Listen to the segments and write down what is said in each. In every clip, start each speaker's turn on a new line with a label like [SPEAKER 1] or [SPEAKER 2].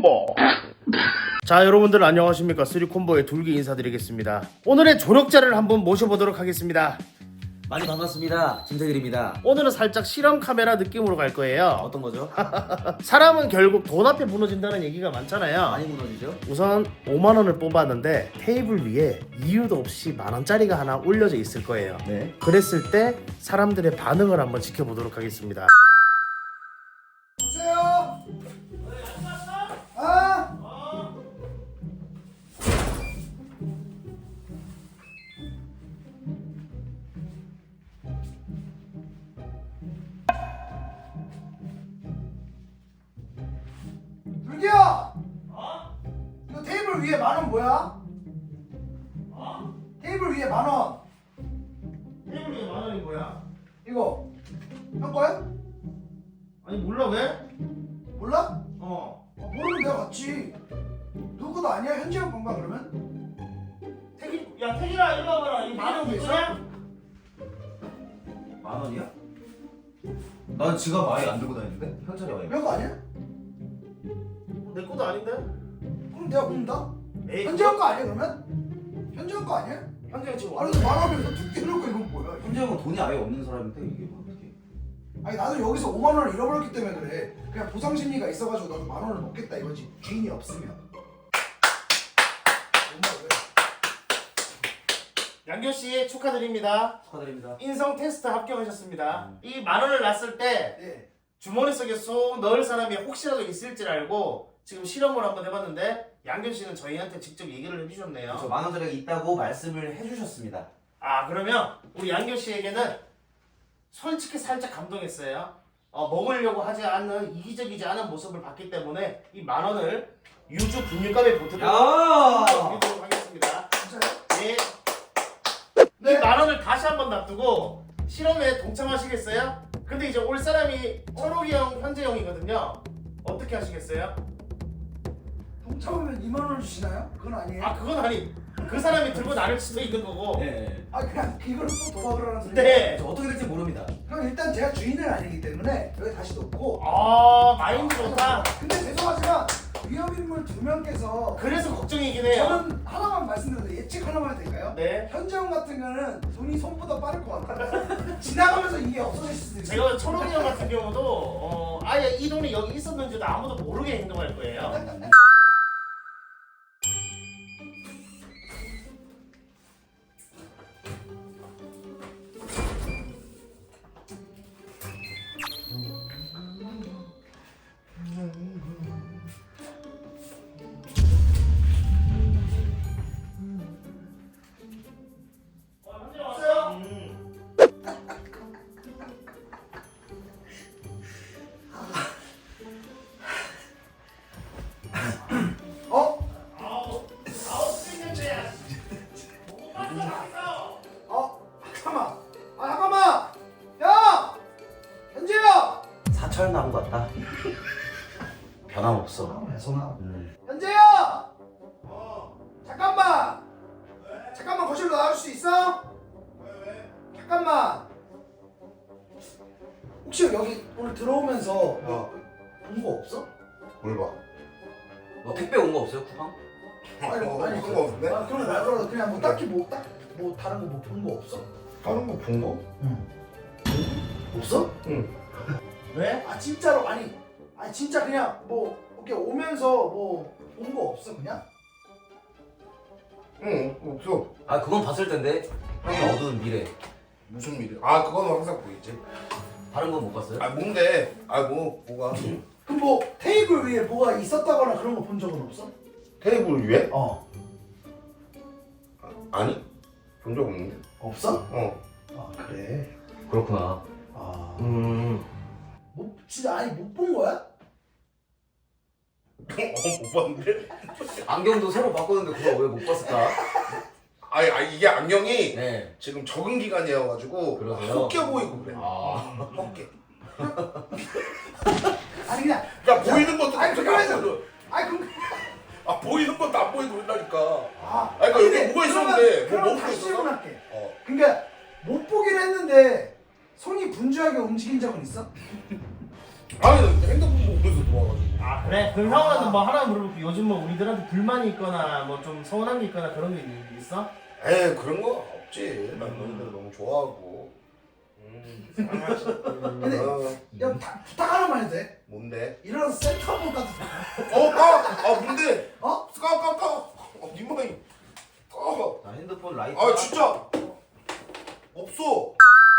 [SPEAKER 1] 3콤보. 자, 여러분들 안녕하십니까. 3콤보의 둘기 인사드리겠습니다. 오늘의 조력자를 한분 모셔보도록 하겠습니다.
[SPEAKER 2] 많이 반갑습니다. 김태길입니다.
[SPEAKER 1] 오늘은 살짝 실험 카메라 느낌으로 갈 거예요.
[SPEAKER 2] 어떤 거죠?
[SPEAKER 1] 사람은 결국 돈 앞에 무너진다는 얘기가 많잖아요.
[SPEAKER 2] 많이 무너지죠?
[SPEAKER 1] 우선 5만원을 뽑았는데 테이블 위에 이유도 없이 만원짜리가 하나 올려져 있을 거예요.
[SPEAKER 2] 네.
[SPEAKER 1] 그랬을 때 사람들의 반응을 한번 지켜보도록 하겠습니다.
[SPEAKER 3] 보세요. 아? 둘기야. 이거 테이블 위에 만원 뭐야? 테이블 위에 만원.
[SPEAKER 1] 테이블 위에 만원이 뭐야?
[SPEAKER 3] 이거 형 거야?
[SPEAKER 1] 아니 몰라 왜?
[SPEAKER 3] 몰라? 모르면 내가 맞지. 누구도 아니야? 현지 형 건가 그러면?
[SPEAKER 1] 태길아 일로 와봐라. 이 만원
[SPEAKER 3] 있어?
[SPEAKER 2] 만 원이야? 난 지갑 아예 안 들고 다니는데? 현찰이 아예.
[SPEAKER 3] 형 거 아니야?
[SPEAKER 1] 내 것도 아닌데?
[SPEAKER 3] 그럼 내가 본다.
[SPEAKER 1] 에이,
[SPEAKER 3] 현지 형 거 아니야 그러면? 현지 형 거 아니야?
[SPEAKER 1] 현재가 지금
[SPEAKER 3] 아니 근데 만원에서 두개 놓고 이건 뭐야?
[SPEAKER 2] 현재 형은 돈이 아예 없는 사람인데 이게 뭐 어떻게?
[SPEAKER 3] 아니 나도 여기서 5만 원을 잃어버렸기 때문에 그래. 그냥 보상 심리가 있어가지고 나도 만 원을 먹겠다 이거지. 주인이 없으면. 엄마 왜?
[SPEAKER 1] 양교 씨 축하드립니다.
[SPEAKER 2] 축하드립니다.
[SPEAKER 1] 인성 테스트 합격하셨습니다. 이 만원을 놨을 때
[SPEAKER 3] 네.
[SPEAKER 1] 주머니 속에 쏙 넣을 사람이 혹시라도 있을 줄 알고 지금 실험을 한번 해봤는데 양교 씨는 저희한테 직접 얘기를 해주셨네요.
[SPEAKER 2] 그렇죠. 만 원짜리가 있다고 말씀을 해주셨습니다.
[SPEAKER 1] 아, 그러면 우리 양교 씨에게는 솔직히 살짝 감동했어요. 먹으려고 하지 않는 이기적이지 않은 모습을 봤기 때문에 이 만원을 유주 분유값에 보태도록
[SPEAKER 2] 야!
[SPEAKER 1] 드리도록 하겠습니다.
[SPEAKER 3] 진짜요?
[SPEAKER 1] 네.
[SPEAKER 3] 네.
[SPEAKER 1] 이 만원을 다시 한번 놔두고 실험에 동참하시겠어요? 근데 이제 올 사람이 철옥이 형, 현재 형이거든요. 어떻게 하시겠어요?
[SPEAKER 3] 동참하면 2만 원 주시나요? 그건 아니에요.
[SPEAKER 1] 아, 그건 아니. 그 사람이 들고 나를 수도 있는 거고.
[SPEAKER 2] 네.
[SPEAKER 3] 아 그냥 이거를 또 도박을 하는 소리.
[SPEAKER 1] 네.
[SPEAKER 2] 저 어떻게 될지 모릅니다.
[SPEAKER 3] 그럼 일단 제가 주인은 아니기 때문에 여기 다시 놓고.
[SPEAKER 1] 아, 마인드 좋다.
[SPEAKER 3] 근데 죄송하지만 위험인물 2명께서
[SPEAKER 1] 그래서 걱정이긴 해요.
[SPEAKER 3] 저는 하나만 말씀드려도 예측 하나만 해도 될까요?
[SPEAKER 1] 네.
[SPEAKER 3] 현재형 같은 경우는 돈이 손보다 빠를 것 같아요. 지나가면서 이게 없어질 수도 있어요.
[SPEAKER 1] 제가 철옥이 형 같은 경우도 아예 이 돈이 여기 있었는지도 아무도 모르게 행동할 거예요. 현재 왔어요?
[SPEAKER 3] 어?
[SPEAKER 1] 아우 생년체야. 못 봤어.
[SPEAKER 3] 잠깐만. 잠깐만. 야! 현재야!
[SPEAKER 2] 사철 나무 같다. 변함없어.
[SPEAKER 3] 손아.
[SPEAKER 2] 음.
[SPEAKER 3] 현재야! 잠깐만. 잠깐만 거실로 나와줄 수 있어? 잠깐만. 혹시 여기 오늘 들어오면서 본 거 없어?
[SPEAKER 4] 뭘 봐?
[SPEAKER 2] 뭐 택배 온 거 없어요? 쿠팡?
[SPEAKER 3] 아니
[SPEAKER 4] 그런 거 없는데?
[SPEAKER 3] 그런 거 말고 그냥 뭐 딱히 뭐 다른 거 뭐 본 거 없어?
[SPEAKER 4] 다른 거 본 거?
[SPEAKER 3] 없어?
[SPEAKER 4] 응.
[SPEAKER 1] 왜?
[SPEAKER 3] 아 진짜로 아니 진짜 그냥 뭐 이렇게 오면서 뭐 본 거 없어 그냥?
[SPEAKER 4] 응, 없어.
[SPEAKER 2] 아 그건 봤을 텐데. 형의 어두운 미래.
[SPEAKER 4] 무슨 일이야? 아, 그거는 항상 보이지.
[SPEAKER 2] 다른 건 못 봤어요?
[SPEAKER 4] 아, 뭔데? 아, 뭐가?
[SPEAKER 3] 그럼 뭐 테이블 위에 뭐가 있었다거나 그런 거 본 적은 없어?
[SPEAKER 4] 테이블 위에? 아니, 본 적 없는데.
[SPEAKER 3] 없어?
[SPEAKER 4] 어.
[SPEAKER 3] 그래.
[SPEAKER 2] 그렇구나.
[SPEAKER 3] 진짜 못 본 거야?
[SPEAKER 4] 못 봤는데?
[SPEAKER 2] 안경도 새로 바꿨는데 그걸 왜 못 봤을까?
[SPEAKER 4] 아니, 이게 안경이
[SPEAKER 2] 네.
[SPEAKER 4] 지금 적응 기간이어가지고
[SPEAKER 2] 그러세요?
[SPEAKER 4] 헛겨 보이고 그래.
[SPEAKER 2] 아.
[SPEAKER 4] 헛겨.
[SPEAKER 3] 아니 그냥
[SPEAKER 4] 야, 보이는 것도
[SPEAKER 3] 아니,
[SPEAKER 4] 갑자기
[SPEAKER 3] 그거에서-
[SPEAKER 4] 안 보여.
[SPEAKER 3] 그럼
[SPEAKER 4] 아, 보이는 것도 안 보이고 그런다니까.
[SPEAKER 3] 아
[SPEAKER 4] 그러니까 여기 뭐가 있었는데 뭐
[SPEAKER 3] 그러면
[SPEAKER 4] 먹고
[SPEAKER 3] 다시
[SPEAKER 4] 있었어?
[SPEAKER 3] 질문할게.
[SPEAKER 4] 어.
[SPEAKER 3] 그러니까 못 보긴 했는데 손이 분주하게 움직인 적은 있어?
[SPEAKER 4] 아니, 핸드폰 보면서 들어와가지고.
[SPEAKER 1] 아, 그래 그럼 형은 뭐 하나 물어볼게. 요즘 뭐 우리들한테 불만이 있거나 뭐 좀 서운한 게 있거나 그런 게 있어?
[SPEAKER 4] 에이 그런 거 없지. 난 너희들 너무 좋아하고.
[SPEAKER 3] 근데
[SPEAKER 4] 어,
[SPEAKER 3] 야 부탁 하나만 해도 돼?
[SPEAKER 4] 뭔데?
[SPEAKER 3] 이런 센터폰 같은
[SPEAKER 4] 뭔데?
[SPEAKER 3] 어?
[SPEAKER 4] 까까까. 니모이. 까.
[SPEAKER 2] 나 핸드폰 라이트.
[SPEAKER 4] 아 진짜. 없어.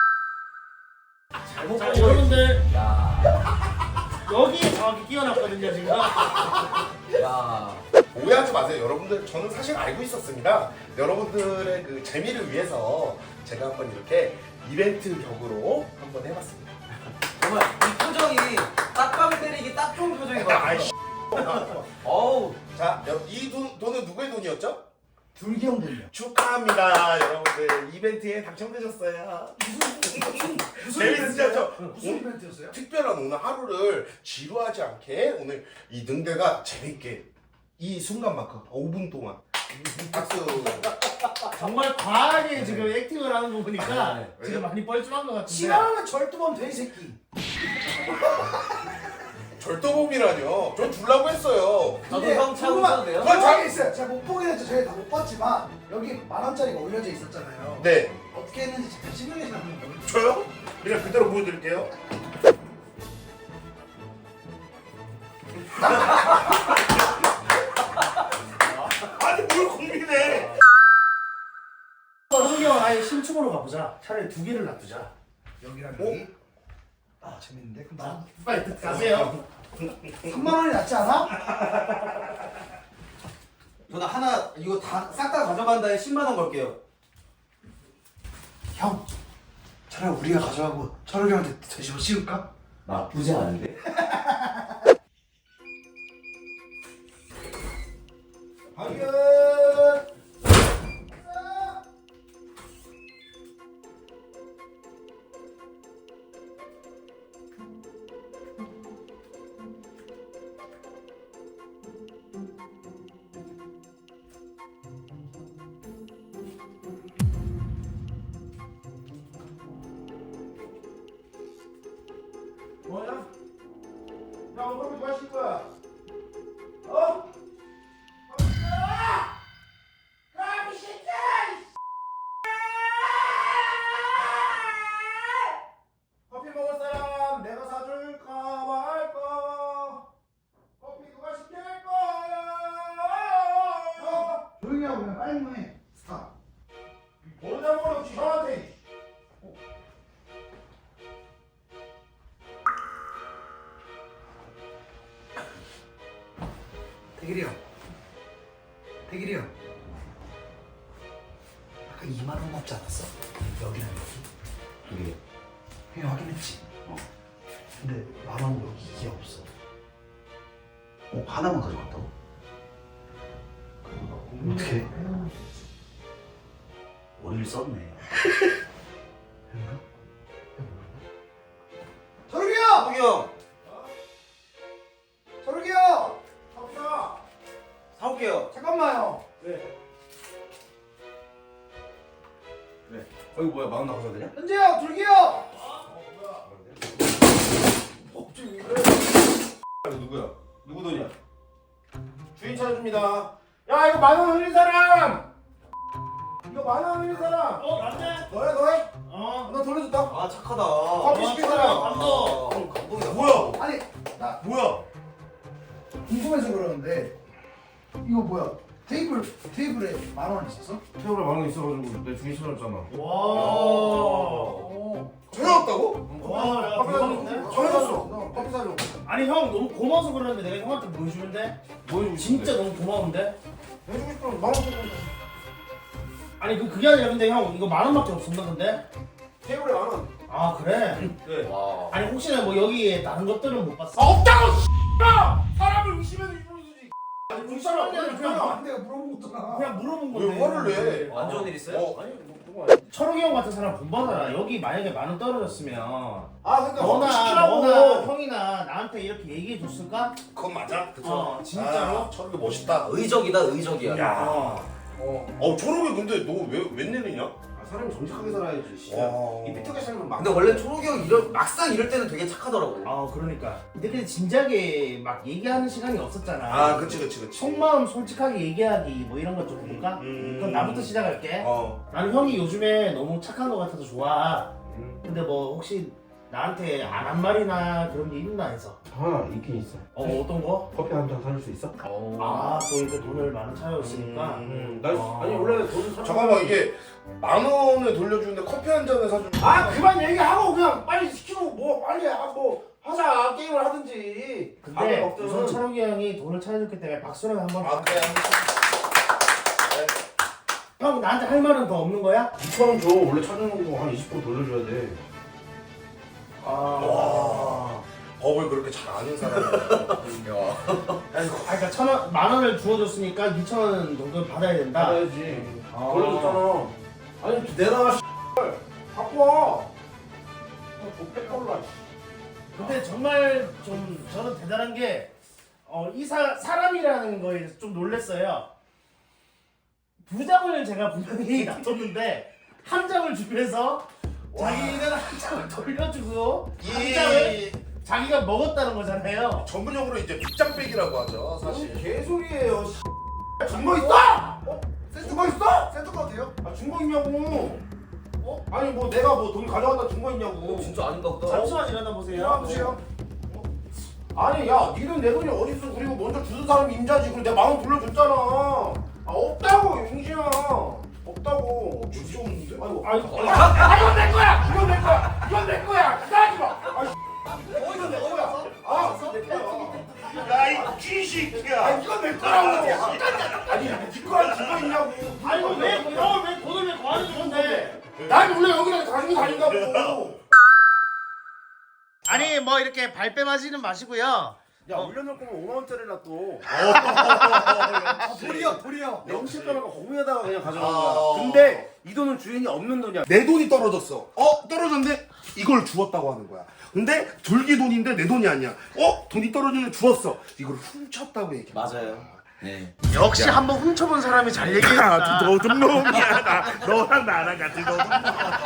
[SPEAKER 1] 자 여러분들
[SPEAKER 2] 야.
[SPEAKER 1] 여기에 정확히 끼워놨거든요 지금.
[SPEAKER 2] 야.
[SPEAKER 4] 오해하지 마세요, 여러분들. 저는 사실 알고 있었습니다. 여러분들의 그 재미를 위해서 제가 한번 이렇게 이벤트 격으로 한번 해봤습니다.
[SPEAKER 2] 정말 이 표정이 딱밤 때리기 딱 좋은 표정인 것 같아.
[SPEAKER 4] 아이씨.
[SPEAKER 2] 어우.
[SPEAKER 4] 자, 이 돈은 누구의 돈이었죠?
[SPEAKER 3] 둘기 형 돈이야.
[SPEAKER 4] 축하합니다, 여러분들. 이벤트에 당첨되셨어요.
[SPEAKER 3] 무슨
[SPEAKER 4] 재밌으셨죠?
[SPEAKER 3] 무슨 이벤트였어요?
[SPEAKER 4] 특별한 오늘 하루를 지루하지 않게 오늘 이 능대가 재밌게 이 순간만큼 5분 동안 박수.
[SPEAKER 1] 정말 과하게 지금 액팅을 하는 거 보니까
[SPEAKER 2] 네.
[SPEAKER 1] 지금 많이 뻘쭘한 것 같은데.
[SPEAKER 3] 싫어하면 절도범 돼 이 새끼.
[SPEAKER 4] 절도범이라뇨. 저 주려고 했어요.
[SPEAKER 2] 저도
[SPEAKER 3] 근데
[SPEAKER 2] 형 차고
[SPEAKER 3] 궁금한-
[SPEAKER 2] 있어도 돼요?
[SPEAKER 3] 궁금한 게 있어요. 제가 못 보긴 했죠. 저희 다 못 봤지만 여기 10,000원짜리가 올려져 있었잖아요.
[SPEAKER 4] 네.
[SPEAKER 3] 어떻게 했는지 잠깐 시뮬레이션 한번 보여주세요.
[SPEAKER 4] 저요? 그냥 그대로 보여드릴게요. 아니 뭘 고민해?
[SPEAKER 1] 흥이 형 아예 신축으로 가보자. 차라리 2개를 놔두자.
[SPEAKER 3] 여기랑
[SPEAKER 4] 어?
[SPEAKER 3] 여기. 아 재밌는데? 그럼 나
[SPEAKER 1] 빨리 가세요.
[SPEAKER 3] 3,000원이 낫지 않아?
[SPEAKER 2] 저는 하나 이거 다 싹 다 가져간 다음에 10만 원 걸게요.
[SPEAKER 3] 형, 차라리 우리가 가져가고 철욱이 형한테 되씹어 씌울까?
[SPEAKER 2] 나쁘지 않은데?
[SPEAKER 3] 확인.
[SPEAKER 4] 뭐야? 야 오늘 뭐 하실 거야? 어? 커피 먹을 사람 내가 사줄까 말까? 커피 누가 시킬 거야?
[SPEAKER 3] 조용히 하고 그냥 빨리만 해. 스탑.
[SPEAKER 4] 번호장으로 형한테.
[SPEAKER 3] 대길이 형. 대길이 형. 아까 2만 원 남지 않았어? 여기랑 여기.
[SPEAKER 2] 이게
[SPEAKER 3] 형이 확인했지? 근데 10,000원 여기 이게 없어.
[SPEAKER 2] 하나만 가져갔다고?
[SPEAKER 3] 어떻게?
[SPEAKER 2] 머리를 썼네.
[SPEAKER 3] 철욱이 형!
[SPEAKER 2] 형이 형
[SPEAKER 3] 철욱이 형!
[SPEAKER 4] 커피야.
[SPEAKER 2] 사올게요.
[SPEAKER 3] 잠깐만요.
[SPEAKER 2] 이거 뭐야? 10,000원 나가셔도 되냐?
[SPEAKER 3] 현재 형! 둘기 형!
[SPEAKER 2] 누구야? 누구 돈이야?
[SPEAKER 4] 주인 찾아줍니다. 야 이거 10,000원 흘린 사람. 이거 10,000원 흘린 사람.
[SPEAKER 1] 맞네.
[SPEAKER 4] 너야 너야?
[SPEAKER 1] 어.
[SPEAKER 4] 나 돌려줬다.
[SPEAKER 2] 아 착하다.
[SPEAKER 4] 커피 시킨 사람.
[SPEAKER 1] 감동.
[SPEAKER 2] 감동이다.
[SPEAKER 4] 뭐야?
[SPEAKER 3] 아니, 나
[SPEAKER 4] 뭐야?
[SPEAKER 3] 궁금해서 그러는데 이거 뭐야? 테이블에 10,000원 있었어?
[SPEAKER 5] 테이블에 10,000원 있어가지고 내 주인 찾았잖아.
[SPEAKER 1] 와.
[SPEAKER 3] 오.
[SPEAKER 4] 전화왔다고?
[SPEAKER 1] 와, 야, 대박인데?
[SPEAKER 3] 전화줬어. 커피 사줘.
[SPEAKER 1] 아니 형 너무 고마워서 그러는데 내가 형한테 뭐 해주면 돼?
[SPEAKER 5] 뭐 해주고
[SPEAKER 1] 진짜 너무 고마운데?
[SPEAKER 4] 해주고 싶으면 10,000원 줘.
[SPEAKER 1] 아니 그게 아니라 근데 형 이거 10,000원밖에 없었나 근데?
[SPEAKER 4] 테이블에 10,000원.
[SPEAKER 1] 아 그래?
[SPEAKER 4] 네.
[SPEAKER 2] 와.
[SPEAKER 1] 아니 혹시나 뭐 여기에 다른 것들은 못 봤어?
[SPEAKER 4] 없다고 씨발! 사람을 의심해서 이러는 거지. 아니
[SPEAKER 1] 의심하는 게 아니라 그냥
[SPEAKER 3] 내가 물어본 거잖아.
[SPEAKER 1] 그냥 물어본 건데
[SPEAKER 4] 왜 화를 내?
[SPEAKER 2] 안 좋은 일 있어요?
[SPEAKER 4] 아니
[SPEAKER 1] 철욱이 형 같은 사람 본받아라. 여기 만약에 10,000원 떨어졌으면
[SPEAKER 4] 그러니까
[SPEAKER 1] 너나 형이나 나한테 이렇게 얘기해 줬을까?
[SPEAKER 4] 그건 맞아.
[SPEAKER 1] 어 진짜로?
[SPEAKER 4] 아, 철욱이 멋있다.
[SPEAKER 2] 의적이다 의적이야.
[SPEAKER 4] 야.
[SPEAKER 1] 어.
[SPEAKER 4] 초록이 근데 너 왜 웬일이냐?
[SPEAKER 5] 사람이 정직하게 살아야지. 씨.
[SPEAKER 4] 와.
[SPEAKER 5] 이 삐뚤게 살면 막.
[SPEAKER 2] 근데 원래 초록이 형 막상 이럴 때는 되게 착하더라고.
[SPEAKER 1] 그러니까. 근데 진작에 막 얘기하는 시간이 없었잖아.
[SPEAKER 4] 아, 그치.
[SPEAKER 1] 속마음 솔직하게 얘기하기 뭐 이런 것 좀 볼까? 그럼 나부터 시작할게. 나는 형이 요즘에 너무 착한 것 같아서 좋아. 근데 뭐 혹시 나한테 안 한 말이나 그런 게 있나 해서.
[SPEAKER 5] 하나 있긴 있어.
[SPEAKER 1] 어떤 거?
[SPEAKER 5] 커피 한 잔 사줄 수 있어?
[SPEAKER 1] 또 이렇게 돈을 많이 차였으니까.
[SPEAKER 5] 나 아니 원래 돈을 사.
[SPEAKER 4] 잠깐만, 이게 10,000원을 돌려주는데 커피 한 잔을 사주는.
[SPEAKER 5] 그만 얘기하고 그냥 빨리 시키고 뭐 빨리 뭐 하자 게임을 하든지.
[SPEAKER 1] 근데 우선 철욱이 형이 돈을 차려줬기 때문에 박수를 한번.
[SPEAKER 4] 그래.
[SPEAKER 1] 형 나한테 할 말은 더 없는 거야?
[SPEAKER 5] 2,000원 줘. 원래 찾아놓은 거 한 20% 돌려줘야 돼.
[SPEAKER 4] 와. 법을 그렇게 잘 아는 사람이야.
[SPEAKER 1] 그러니까 10,000원 주워줬으니까 2,000원 정도는 받아야 된다.
[SPEAKER 5] 받아야지. 돌려줬잖아. 아니 내놔. 갖고 와. 족백걸라.
[SPEAKER 1] 근데 정말 좀 저는 대단한 게 이 사람이라는 거에 대해서 좀 놀랐어요. 2장을 제가 분명히 놔뒀는데 한 장을 주면서 자기는 한 장을 돌려주고 한 장을 자기가 먹었다는 거잖아요.
[SPEAKER 4] 전문용어로 이제 빗장빼기라고 하죠, 사실.
[SPEAKER 5] 개소리예요.
[SPEAKER 3] 준거 있어? 준거 있어? 센터 거 돼요?
[SPEAKER 5] 준거 있냐고. 아니 뭐 내가 뭐 돈 가져갔다 준 거 있냐고.
[SPEAKER 2] 진짜 아닌가 보다.
[SPEAKER 1] 잠시만 일어나 보세요.
[SPEAKER 3] 일어나보세요.
[SPEAKER 5] 아니 야 니는 내 돈이 어딨어. 그리고 먼저 주는 사람이 임자지. 그리고 내가 10,000원 돌려줬잖아. 없다고 용진아. 없다고.
[SPEAKER 4] 진짜 없는데?
[SPEAKER 5] 아이고 이건 내 거야. 이건 내 거야. 이건 내 거야. 기다리지 마. 이건 내 거야. 내 거야.
[SPEAKER 4] 야이 쥐새끼야.
[SPEAKER 5] 이건 내 거라고. 아니 네 거랑 준거 있냐고.
[SPEAKER 1] 아니 왜 돈을 왜 거하는 건데?
[SPEAKER 5] 난 원래 여기랑 가지고 다닌다고.
[SPEAKER 1] 아니 뭐 이렇게 발뺌하지는 마시고요.
[SPEAKER 5] 야 올려놓을 거면 5만 원짜리라 또.
[SPEAKER 3] 도리어.
[SPEAKER 5] 영실 떠나고 거기에다가 그냥 가져간
[SPEAKER 4] 아.
[SPEAKER 5] 거야. 근데 이 돈은 주인이 없는 돈이야.
[SPEAKER 4] 내 돈이 떨어졌어. 떨어졌는데 이걸 주웠다고 하는 거야. 근데 둘기 돈인데 내 돈이 아니야. 돈이 떨어지는데 주웠어. 이걸 훔쳤다고 얘기해.
[SPEAKER 2] 맞아요. 네.
[SPEAKER 1] 역시 한번 훔쳐본 사람이 잘 얘기했다.
[SPEAKER 4] 도둑놈이야. 너랑 나랑 같이 도둑놈.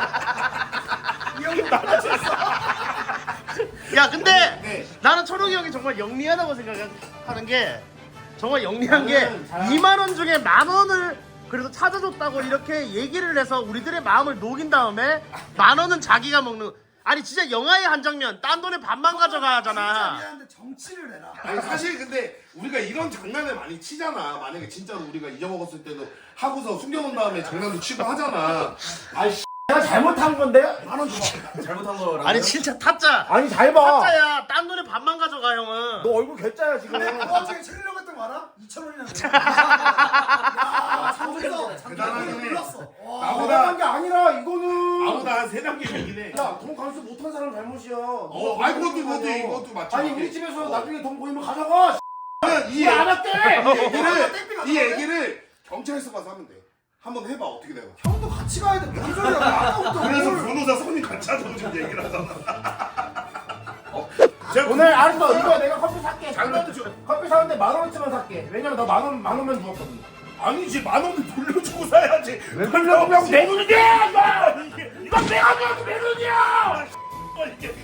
[SPEAKER 1] 야 근데 나는 철욱이 형이 정말 영리하다고 생각하는 게 정말 영리한 게 2만 원 중에 10,000원을 그래도 찾아줬다고 이렇게 얘기를 해서 우리들의 마음을 녹인 다음에 10,000원은 자기가 먹는. 아니 진짜 영화의 한 장면 딴 돈의 반만 가져가잖아.
[SPEAKER 3] 미안한데 정치를 해라.
[SPEAKER 4] 아니 사실 근데 우리가 이런 장난을 많이 치잖아. 만약에 진짜로 우리가 잊어먹었을 때도 하고서 숨겨놓은 다음에 장난도 치고 하잖아.
[SPEAKER 5] 내가 잘못한 건데?
[SPEAKER 3] 10,000원 줘봐.
[SPEAKER 2] 잘못한 거라고.
[SPEAKER 1] 아니 진짜 타짜.
[SPEAKER 5] 아니 잘 봐.
[SPEAKER 1] 타짜야. 딴 돈의 반만 가져가 형은.
[SPEAKER 5] 너 얼굴 개짜야 지금.
[SPEAKER 3] 너 어떻게 챙기려고 했던 거 알아? 2,000원이나. 야, 장소에서
[SPEAKER 4] 대단하네.
[SPEAKER 3] 몰랐어.
[SPEAKER 5] 나보다 게 아니라 이거는.
[SPEAKER 4] 아무나 한 3단계 얘기네.
[SPEAKER 5] 야, 돈 감수 못한 사람 잘못이야.
[SPEAKER 4] 아이 그것도 맞지.
[SPEAKER 5] 아니 우리 집에서 나중에 돈 보이면 가져가.
[SPEAKER 4] 이
[SPEAKER 5] 안 할게.
[SPEAKER 4] 이 얘기를 경찰서 가서 하면 돼. 한번 해봐 어떻게 돼요.
[SPEAKER 3] 형도 같이 가야 돼. 뭔 소리야? 아까부터
[SPEAKER 4] 그래서
[SPEAKER 3] 뭘.
[SPEAKER 4] 변호사 손이 같이 하자고 지금 얘기를 하잖아.
[SPEAKER 5] 오늘 알았어. 이거 내가 커피 살게. 커피 사는데 10,000원치만 살게. 왜냐면 나 10,000원만 주었거든.
[SPEAKER 4] 아니지 10,000원을 돌려주고 사야지.
[SPEAKER 5] 왜 돌려주면 내 돈이야 이거. 이건 내가 줘도 내 돈이야.
[SPEAKER 4] 이게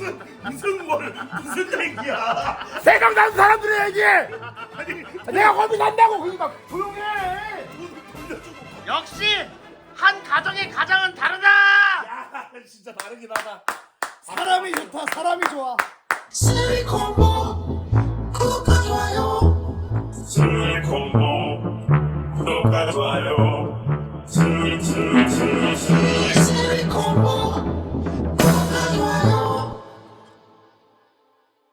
[SPEAKER 4] 무슨 얘기야?
[SPEAKER 5] 생각나는 사람들의 얘기. 내가 커피 산다고 그러니까 조용해.
[SPEAKER 1] 역시 한 가정의 가장은 다르다.
[SPEAKER 4] 야 진짜 다르긴 하다.
[SPEAKER 3] 사람이 좋다. 사람이 좋아.
[SPEAKER 6] 실리콘보 구독과 좋아요.
[SPEAKER 7] 슬리콘보 구독과 좋아요